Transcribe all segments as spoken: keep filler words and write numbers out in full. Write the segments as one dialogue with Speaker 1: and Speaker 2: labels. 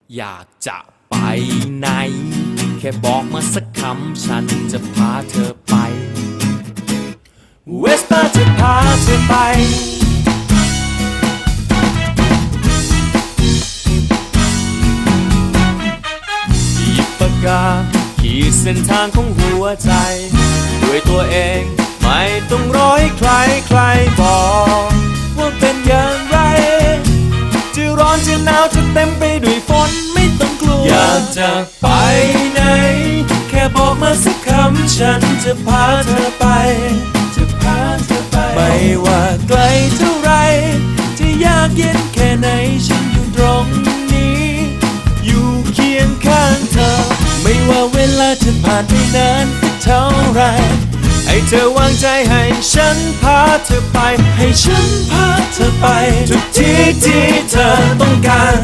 Speaker 1: อยากจะไปไหนแค่บอกมาสักคำฉันจะพาเธอไปเวสป้าจะพาเธอไปหยิบปากกาขีดเส้นทางของหัวใจด้วยตัวเองไม่ต้องรอให้ใครใครบอกว่าเป็นอย่างไรจะร้อนจะหนาวจะเต็มไปด้วยฝนไม่ต้องกลัวอยากจะไปไหนแค่บอกมาสักคำฉันจะพาเธอไปจะพาเธอไปไม่ว่าไกลเท่าไรจะยากเย็นแค่ไหนฉันอยู่ตรงนี้อยู่เคียงข้างเธอไม่ว่าเวลาจะผ่านไปนานสักเท่าไรให้เธอวางใจให้ฉันพาเธอไปให้ฉันพาเธอไปทุกที่ที่เธอต้องการ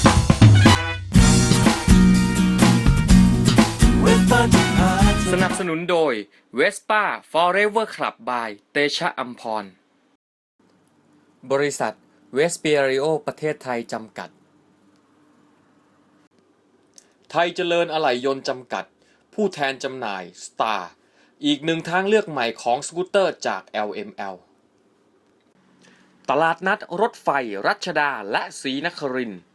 Speaker 1: สนับสนุนโดย Vespa Forever Club by เตชะอัมพรบริษัทเวสเปียริโอประเทศไทยจำกัดไทยเจริญอะไหล่ยนต์จำกัดผู้แทนจำหน่าย Starอีกหนึ่งทางเลือกใหม่ของสกูตเตอร์จาก แอล เอ็ม แอล ตลาดนัดรถไฟรัชดาและศรีนครินทร์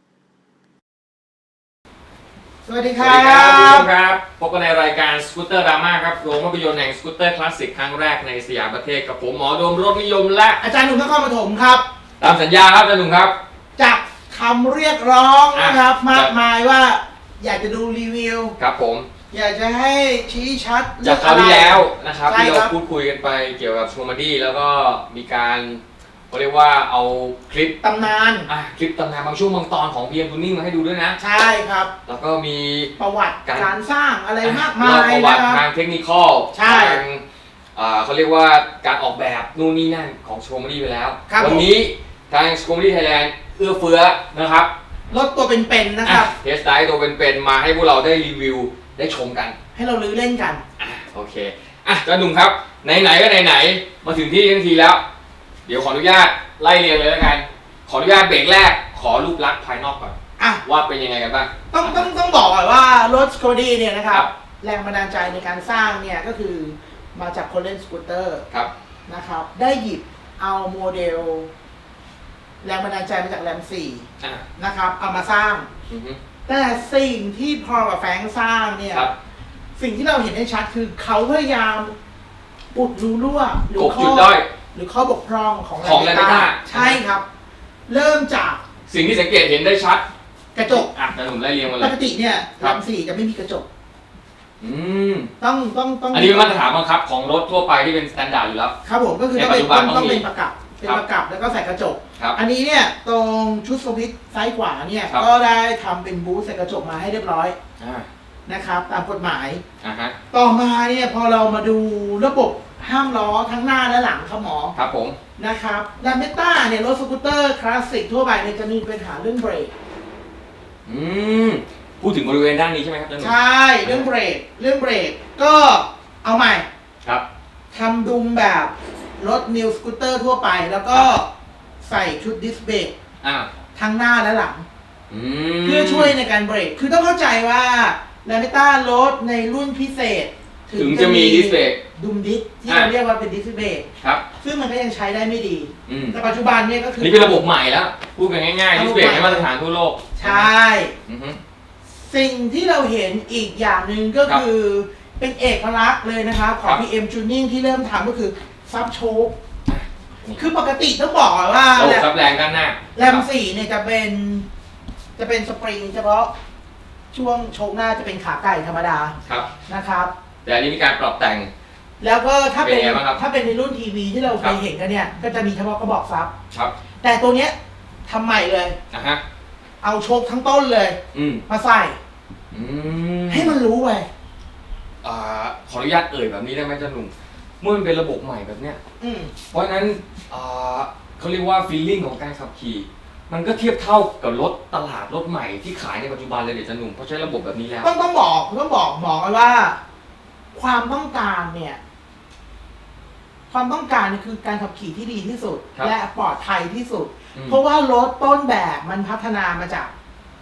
Speaker 2: สวัสดีค
Speaker 3: ส
Speaker 2: รั
Speaker 3: วัสดีครับทุก
Speaker 2: บ
Speaker 3: คนครับพบกันในรายการสกูตเตอร์ดราม่าครับโรงภาพยนตร์แห่งสกูตเตอร์คลาสสิกครั้งแรกในสยามประเทศกับผมหมอโดมรถนิยมและ
Speaker 2: อาจารย์หนุ่มนครปฐมครับ
Speaker 3: ตามสัญญาครับอาจารย์หนุ่มครับ
Speaker 2: จากคำเรียกร้องนะครับ
Speaker 3: อ่ะ
Speaker 2: มากมายว่าอยากจะดูรีวิว
Speaker 3: ครับผม
Speaker 2: อยากจะให้ชี้ชัด
Speaker 3: จากคราวที่แล้วนะครับ
Speaker 2: ใช่
Speaker 3: ที่
Speaker 2: ค
Speaker 3: เรา
Speaker 2: รับ
Speaker 3: พูดคุยกันไปเกี่ยวกับคอมเมดี้แล้วก็มีการเขาเรียกว่าเอาคลิป
Speaker 2: ตำนาน
Speaker 3: อ่ะคลิปตำนานบางช่วงบางตอนของ พี เอ็ม Tuning มาให้ดูด้วยนะ
Speaker 2: ใช่ครับ
Speaker 3: แล้วก็มี
Speaker 2: ประวัติ
Speaker 3: การ
Speaker 2: การสร้างอะไรมาก
Speaker 3: เล่
Speaker 2: มาย
Speaker 3: ประวั
Speaker 2: นะ
Speaker 3: ติ
Speaker 2: ค
Speaker 3: ทา
Speaker 2: รับ
Speaker 3: งเทคนิคอล
Speaker 2: ใช่
Speaker 3: ทางอ่าเขาเรียกว่าการออกแบบนู่นนี่นั่นของคอมเมดี้ไปแล้ว
Speaker 2: ครับ
Speaker 3: วันี้ทางคอมเมดี้ไทยแลนด์เอื้อเฟื้อนะครับ
Speaker 2: รถตัวเป็นๆนะครับ
Speaker 3: เทสไดตัวเป็นๆมาให้พวกเราได้รีวิวได้ชมกัน
Speaker 2: ให้เราลื้อเล่นกัน
Speaker 3: อ่ะโอเคอ่ะอาจารย์หนุ่มครับไหนๆก็ไหนๆมาถึงที่ทั้งทีแล้ว เดี๋ยวขออนุญาตไล่เรียงเลยแล้วกันขออนุญาตเบรกแรกขอรูปลักษณ์ภายนอกก่อน
Speaker 2: อ่ะ
Speaker 3: ว่าเป็นยังไงกันบ้าง
Speaker 2: ต้องต้องต้องบอกก่อนว่ารถสกูดี้เนี่ยนะครั
Speaker 3: ครับ บ
Speaker 2: แรงบันดาลใจในการสร้างเนี่ยก็คือมาจากคนเล่นสกูตเตอร์
Speaker 3: ครับ
Speaker 2: นะครับได้หยิบเอาโมเดล แรงบันดาลใจมาจากแรมสี่
Speaker 3: อ่ะ
Speaker 2: นะครับเอามาสร้าง
Speaker 3: อือฮึ
Speaker 2: แต่สิ่งที่พอกับแฟรงค์สร้างเนี่ย
Speaker 3: ครับ
Speaker 2: สิ่งที่เราเห็นได้ชัดคือเขาพยายามอุดรูรั่วหรื
Speaker 3: กบ
Speaker 2: ข้
Speaker 3: จุดด้อย
Speaker 2: หรือข้อบกพร่องของ
Speaker 3: ของ
Speaker 2: แรม
Speaker 3: Lametta
Speaker 2: ใช่ครับ เริ่มจาก
Speaker 3: สิ่งที่สังเกตเห็นได้ชัด
Speaker 2: กระจก
Speaker 3: อ่ะอาจารย์หนุ่มไล่เรียงมาเล
Speaker 2: ป
Speaker 3: ย
Speaker 2: กติเนี่ย
Speaker 3: ค
Speaker 2: แร
Speaker 3: รับ
Speaker 2: มสี่จะไม่มีกระจก
Speaker 3: อืม
Speaker 2: ต้องต้องต้อง
Speaker 3: อันนี้เป็นมาตรฐานบังคับของรถทั่วไปที่เป็นสแตนดาร์ดอยู่แล้ว
Speaker 2: ครับผมก็คือ
Speaker 3: ใน
Speaker 2: ต้อง
Speaker 3: ปัจ
Speaker 2: เป็น
Speaker 3: จุบัน
Speaker 2: ต้อง
Speaker 3: ต้องมี
Speaker 2: เป็นประกับเป็น
Speaker 3: ครับ
Speaker 2: ประกับแล้วก็ใส่กระจก
Speaker 3: ครับ
Speaker 2: อันนี้เนี่ยตรงชุดสวิตช์ซ้ายขวาเนี่ย
Speaker 3: ครับ
Speaker 2: ก็ได้ทำเป็นบูธใส่กระจกมาให้เรียบร้อย
Speaker 3: อ่า
Speaker 2: นะครับ ตามกฎหมาย
Speaker 3: อ่าฮะ
Speaker 2: ต่อมาเนี่ยพอเรามาดูระบบห้ามล้อทั้งหน้าและหลังครับหมอ
Speaker 3: ครับผม
Speaker 2: นะครับแลมเบต้าเนี่ยรถสกูตเตอร์คลาสสิกทั่วไปเนี่ยจะมีปัญหาเรื่องเบรก
Speaker 3: อืมพูดถึงบริเวณด้านนี้ใช่ไหมครับอาจารย์หนุ่ม
Speaker 2: ใช่เรื่องเบรกเรื่องเบรกก็เอาใหม่
Speaker 3: ครับ
Speaker 2: ทำดุมแบบรถนิวสกูตเตอร์ทั่วไป แล้วก็ใส่ชุดดิสเบรก
Speaker 3: อ่า
Speaker 2: ทั้งหน้าและหลัง
Speaker 3: อืม
Speaker 2: เพื่อช่วยในการเบรก คือต้องเข้าใจว่าแลมเบต้ารถในรุ่นพิเศษ
Speaker 3: ถึงจะมีดิสเบรก
Speaker 2: ดุมดิสที่
Speaker 3: อ่ะ
Speaker 2: เราเรียกว่าเป็นดิสเบรก
Speaker 3: ครับ
Speaker 2: ซึ่งมันก็ยังใช้ได้ไม่ดี
Speaker 3: อืม
Speaker 2: แต่ปัจจุบันเนี่ยก็คือ
Speaker 3: นี่เป็นระบบใหม่แล้ว พูดกันง่ายๆ
Speaker 2: ระ
Speaker 3: ดิ
Speaker 2: บบ
Speaker 3: สเบรก
Speaker 2: ใหม่
Speaker 3: ให้มาตรฐานทั่วโลก
Speaker 2: ใช่
Speaker 3: อือฮึ
Speaker 2: สิ่งที่เราเห็นอีกอย่างหนึ่งก็
Speaker 3: ครับ
Speaker 2: คือเป็นเอกลักษณ์เลยนะครับขอ
Speaker 3: ครั
Speaker 2: ง
Speaker 3: บ
Speaker 2: พี เอ็ม Tuning ที่เริ่มทำก็คือซับโชค
Speaker 3: นี่
Speaker 2: คือปกติต้องบอกก่อนว่า
Speaker 3: ระบบ
Speaker 2: แรม
Speaker 3: ซับแรงด้านหน้า
Speaker 2: แรมสี่เนี่ยจะเป็นจะเป็นสปริงเฉพาะช่วงโชคหน้าจะเป็นขาไก่ธรรมดา
Speaker 3: ครับ
Speaker 2: นะครับ
Speaker 3: แต่อันนี้มีการปรับแต่ง
Speaker 2: แล้วก็ถ้าเป็น
Speaker 3: เป็นไงบ้างครับ
Speaker 2: ถ้าเป็นในรุ่นทีวีที่เราเค
Speaker 3: ครั
Speaker 2: ย
Speaker 3: บ
Speaker 2: เห็นกันเนี่ยก็จะมีเฉพาะกระบอกซับ
Speaker 3: ครับ
Speaker 2: แต่ตัวเนี้ยทำใหม่เลย
Speaker 3: นะฮะ
Speaker 2: เอาโชคทั้งต้นเลย
Speaker 3: อืม
Speaker 2: มาใส่
Speaker 3: อืม
Speaker 2: ให้มันรู้ไป
Speaker 3: อ่าขออนุญาตเอ่ยแบบนี้ได้ไหมอาจารย์หนุ่มเมื่อมันเป็นระบบใหม่แบบเนี้ย
Speaker 2: อืม
Speaker 3: เพราะฉะนั้นอ่าเขาเรียกว่าฟีลลิ่งของการขับขี่ มันก็เทียบเท่ากับรถตลาดรถใหม่ที่ขายในปัจจุบันเลยเดี๋ยวจะหนุ่มเพราะใช้ระบบแบบนี้แล้ว
Speaker 2: ต้องต้องบอกต้องบอกบอกไว้ว่า ความต้องการเนี่ย ความต้องการเนี่ยคือการขับขี่ที่ดีที่สุด
Speaker 3: ครับ
Speaker 2: และปลอดภัยที่สุด
Speaker 3: อืม
Speaker 2: เพราะว่ารถต้นแบบมันพัฒนามาจาก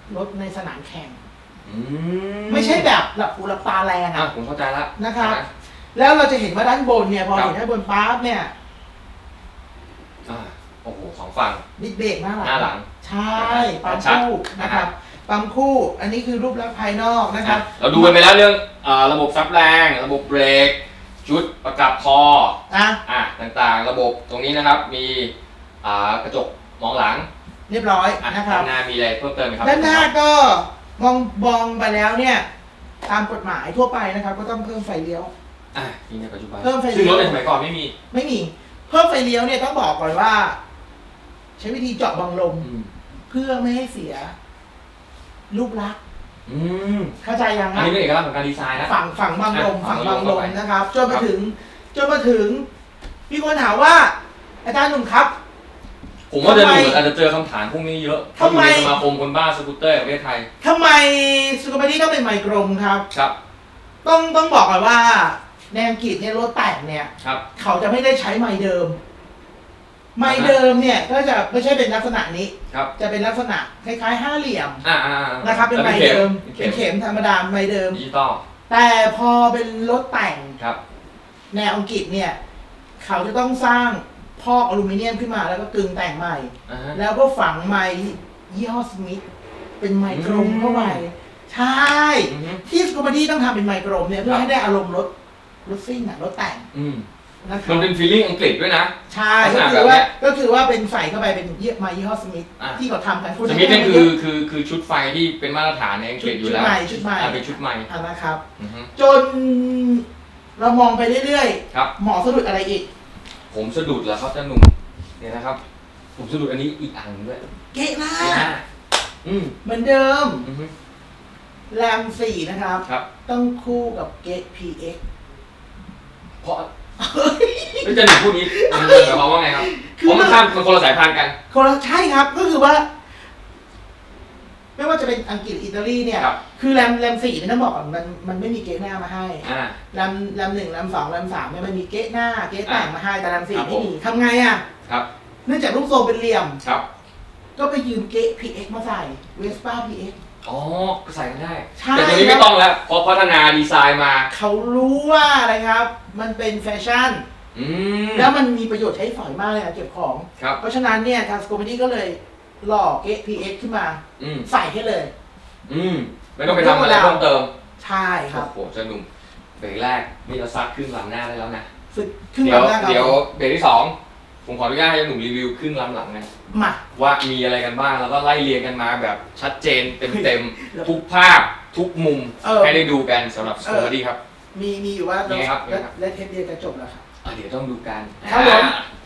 Speaker 2: รถในสนามแข่ง
Speaker 3: อืม
Speaker 2: ไม่ใช่แบบหลับหูหลับตาแรง
Speaker 3: อ่ะ
Speaker 2: อะ
Speaker 3: ผมเข้าใจละ
Speaker 2: นะครับ
Speaker 3: อ่
Speaker 2: แล้วเราจะเห็นว่าด้านบนเนี่ยพอ
Speaker 3: ครับ
Speaker 2: เห็นด้านบนปั๊บเนี่ย
Speaker 3: อ่าโอ้โหสองฝั่ง
Speaker 2: ดิสเบรกหน้าหลัง
Speaker 3: หน้าหลัง
Speaker 2: ใช่ปั๊ม
Speaker 3: ชัด
Speaker 2: คู่
Speaker 3: นะ
Speaker 2: นะ
Speaker 3: ค
Speaker 2: ค
Speaker 3: รั
Speaker 2: รับ บปั๊มคู่ อันนี้คือรูปลักษณ์ภายนอกนะครับ
Speaker 3: เราดูกันไปแล้วเรื่องอ่าระบบซับแรง ระบบเบรก ชุดประกับคอ
Speaker 2: อ่ะ
Speaker 3: อ่ะต่างๆ ระบบตรงนี้นะครับ มีอ่ากระจกมองหลัง
Speaker 2: เรียบร้อย
Speaker 3: อ่ะ
Speaker 2: นะครับ
Speaker 3: ด้านหน้ามีอะไรเพิ่มเติมไหมครับ
Speaker 2: ด้านหน้าก็มองมองไปแล้วเนี่ย ตามกฎหมายทั่วไปนะครับ ก็ต้องเพิ่มไฟเลี้ยว
Speaker 3: อ่ะมีในปัจจุบัน
Speaker 2: เพิ่มไฟ
Speaker 3: ซึ่ง
Speaker 2: เลี้
Speaker 3: ร
Speaker 2: ยว
Speaker 3: ถในสมัยก่อนไม่มี
Speaker 2: ไม่มี เพิ่มไฟเลี้ยวเนี่ยต้องบอกก่อนว่า ใช้วิธีเจาะบังลม
Speaker 3: อืม
Speaker 2: เพื่อไม่ให้เสีย รูปลักษณ์
Speaker 3: อืม
Speaker 2: เข้าใจยัง
Speaker 3: อัน
Speaker 2: ครับ
Speaker 3: นี้เป็นเอกลักษณ์ของการดีไซน์นะ
Speaker 2: ฝั่งฝั่งบังลม
Speaker 3: อ่ะ
Speaker 2: ฝั่ง
Speaker 3: ฝั่
Speaker 2: บั
Speaker 3: ง
Speaker 2: ง
Speaker 3: บั
Speaker 2: ล
Speaker 3: งล
Speaker 2: ม
Speaker 3: ม
Speaker 2: นะครับจน
Speaker 3: ครั
Speaker 2: มา
Speaker 3: บ
Speaker 2: ถึงจนมาถึงมีคนถามว่า อาจารย์หนุ่มครับ
Speaker 3: ผมว่าจะ
Speaker 2: ทำไม
Speaker 3: ดูอาจจะเจอคำถามพวกนี้เยอะ
Speaker 2: ทำไม
Speaker 3: อยู่ในสมาคมคนบ้าสกูตเตอร์แห่งประเทศไทย
Speaker 2: ทำไมสุขภาพดีต้องเป็นไมโครครับ
Speaker 3: ครับ
Speaker 2: ต้องต้องบอกก่อนว่าในอังกฤษเนี่ยรถแต่งเนี่ย
Speaker 3: ครับ
Speaker 2: เขาจะไม่ได้ใช้ไมค์เดิม ไมค์เดิมเนี่ยก็จะไม่ใช่เป็นลักษณะนี้
Speaker 3: ครับ
Speaker 2: จะเป็นลักษณะคล้ายๆห้าเหลี่ยม
Speaker 3: อ่าอ่าอ่า
Speaker 2: นะครับ เป็นไมค์เดิม
Speaker 3: เป็
Speaker 2: เป็น น
Speaker 3: เข็ม
Speaker 2: เข็มธรรมดาไมค์เดิม
Speaker 3: ดิจิตอล
Speaker 2: แต่พอเป็นรถแต่ง
Speaker 3: ครับ
Speaker 2: แนวอังกฤษเนี่ย เขาจะต้องสร้างพอกอลูมิเนียมขึ้นมาแล้วก็กึงแต่งใหม่
Speaker 3: อ่าฮะ
Speaker 2: แล้วก็ฝังไมค์ยี่ห้อสมิธเป็นไมค์กรมเข้าไป
Speaker 3: อืม
Speaker 2: ใช่
Speaker 3: อือฮึ
Speaker 2: ที่สกูมาดี้ต้องทำเป็นไมค์กรมเนี่ยเพื่
Speaker 3: ครั
Speaker 2: อบ ให้ได้อารมณ์รถรถซิ่งอะรถแต่ง
Speaker 3: อืม
Speaker 2: นะครั
Speaker 3: มั
Speaker 2: บ
Speaker 3: นเป็นฟีลลิ่งอังกฤษด้วยนะ
Speaker 2: ใช่
Speaker 3: ลักษ
Speaker 2: ก็
Speaker 3: ณะ
Speaker 2: คือว่า
Speaker 3: แบบเนี้ย
Speaker 2: ก็คือว่าเป็นใส่เข้าไปเป็นยี่ไมค์ยี่ห้อสมิธ
Speaker 3: อ่ะ
Speaker 2: ที่เขาทำกัน
Speaker 3: สมิธนี่คือคือคือชุดไฟที่เป็นมาตรฐานในอังก
Speaker 2: ชุ
Speaker 3: ฤ
Speaker 2: ด
Speaker 3: ษอ
Speaker 2: ชุ
Speaker 3: ยู่
Speaker 2: ด
Speaker 3: แล้ว
Speaker 2: ใหม่ชุดใหม่
Speaker 3: อ่าเป็นชุดใหม่
Speaker 2: อ่ะนะครับ
Speaker 3: อือฮึ
Speaker 2: จนเรามองไปเรื่อย
Speaker 3: ครับ
Speaker 2: ๆหมอสะดุดอะไรอีก
Speaker 3: ผมสะดุดแล้วครับเจ้าหนุ่มเนี่ยนะครับ ผมสะดุดอันนี้อีกอันหนึ่งด้วย
Speaker 2: เกะหน้า
Speaker 3: เนี่ยฮะอืม
Speaker 2: เหมือนเดิม
Speaker 3: อือฮึ
Speaker 2: แรมสี่นะครับ
Speaker 3: ครับ
Speaker 2: ต้องคู่กับเกต พี เอ็กซ์
Speaker 3: เพราะแล้วเจะหนุ่มพูดนี้มันหมายความว่าไงครับ
Speaker 2: คือ
Speaker 3: เพราะมันข้ามมันคนละสายพันธุ์กัน
Speaker 2: คนละใช่ครับก็คือว่า ไม่ว่าจะเป็นอังกฤษหรืออิตาลีเนี่ย
Speaker 3: ครับ
Speaker 2: คือแรมแรมสี่เนี่ยต้องบอกก่อนมันมันไม่มีเกตหน้ามาให้
Speaker 3: อ่า
Speaker 2: แรมแรมหนึ่งแรมสองแรมสามเนี่ยมันมีเกตหน้าเกตแต่งมาให้แต่แรมสี่
Speaker 3: ครับ
Speaker 2: ไม่มี
Speaker 3: ผม
Speaker 2: ทำไงอ่ะ
Speaker 3: ครับ
Speaker 2: เนื่องจากรูปทรงเป็นเหลี่ยม
Speaker 3: ครับ
Speaker 2: ก็ไปยืมเกต พี เอ็กซ์ มาใส่ Vespa พี เอ็กซ์
Speaker 3: อ๋อก็ใส่กันได้
Speaker 2: ใช่
Speaker 3: แต่ตัวนี้ไม่ต้องแล้วเพราะพัฒนาดีไซน์มา
Speaker 2: เขารู้ว่าอะไรครับ มันเป็นแฟชั่น
Speaker 3: อืม
Speaker 2: แล้วมันมีประโยชน์ใช้สอยมากเลยนะเก็บของ
Speaker 3: ครับ
Speaker 2: เพราะฉะนั้นเนี่ยทางสโคมดี้ก็เลยหล่อเกต พี เอ็กซ์ ขึ้นมา
Speaker 3: อืม
Speaker 2: ใส่ให้เลย
Speaker 3: อืมไม่ต้องไปทำอะไรเพิ่มเติม
Speaker 2: ใช่ครับ
Speaker 3: โอ้โหเจ้าหนุ่มเบรกแรกนี่เราซัดครึ่งลำหน้าได้แล้วนะ
Speaker 2: ฝึกขึ้น
Speaker 3: เดี๋ยว
Speaker 2: มาได้ครับ
Speaker 3: เดี๋ยวเบรกที่สองผมขออนุญาตให้เจ้าหนุ่มรีวิวครึ่งลำหลังนะ
Speaker 2: มา
Speaker 3: ว่ามีอะไรกันบ้างแล้วก็ไล่เรียงกันมาแบบชัดเจนเต็มๆทุกภาพทุกมุม
Speaker 2: เออ
Speaker 3: ให้ได้ดูกันสำหรับส
Speaker 2: เอ
Speaker 3: โค
Speaker 2: อ
Speaker 3: มดี้ครับ
Speaker 2: มีมีอยู่ว่า
Speaker 3: ยังไงครับยังไงครับ
Speaker 2: และเทปเดียวจะจบแล้วครับ
Speaker 3: อ่ะเดี๋ยวต้องดูกัน
Speaker 2: ครับผม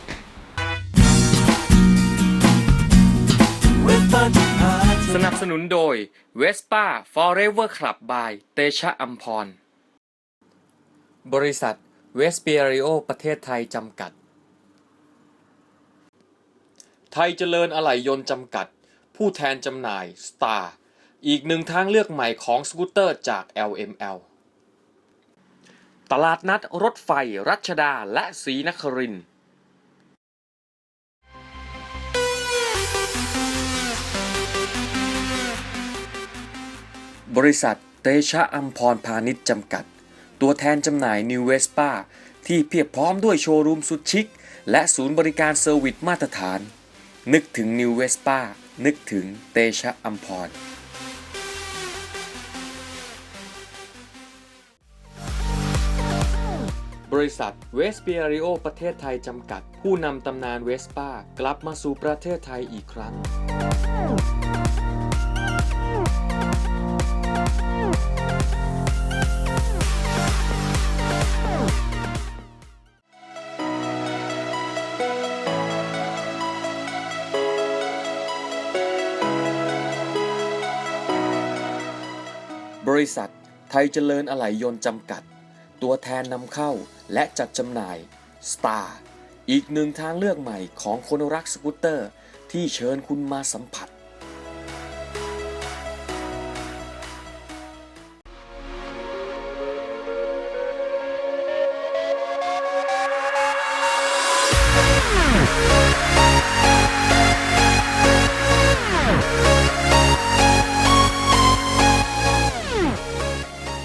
Speaker 3: อ่าสนับสนุนโดย Vespa Forever Club by เตชะอัมพร บริษัทเวสเปียริโอประเทศไทยจำกัด ไทยเจริญอะไหล่ยนต์จำกัด ผู้แทนจำหน่าย Star อีกหนึ่งทางเลือกใหม่ของสกูตเตอร์จาก แอล เอ็ม แอล ตลาดนัดรถไฟรัชดาและศรีนครินทร์บริษัทเตชะอัมพรพาณิชย์จำกัด ตัวแทนจำหน่าย New Vespa ที่เพียบพร้อมด้วยโชว์รูมสุดชิค และศูนย์บริการเซอร์วิสมาตรฐาน นึกถึง New Vespa นึกถึงเตชะอัมพร บริษัทเวสเปียริโอประเทศไทยจำกัด ผู้นำตำนานเวสป้ากลับมาสู่ประเทศไทยอีกครั้ง บริษัทไทยเจริญอะไหล่ยนต์จำกัด ตัวแทนนำเข้าและจัดจำหน่าย Star อีกหนึ่งทางเลือกใหม่ของคนรักสกูตเตอร์ที่เชิญคุณมาสัมผัส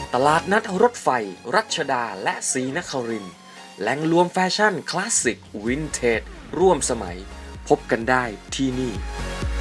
Speaker 3: ตลาดนัดรถไฟ รัชดาและศรีนครินทร์แหล่งรวมแฟชั่นคลาสสิกวินเทจร่วมสมัย พบกันได้ที่นี่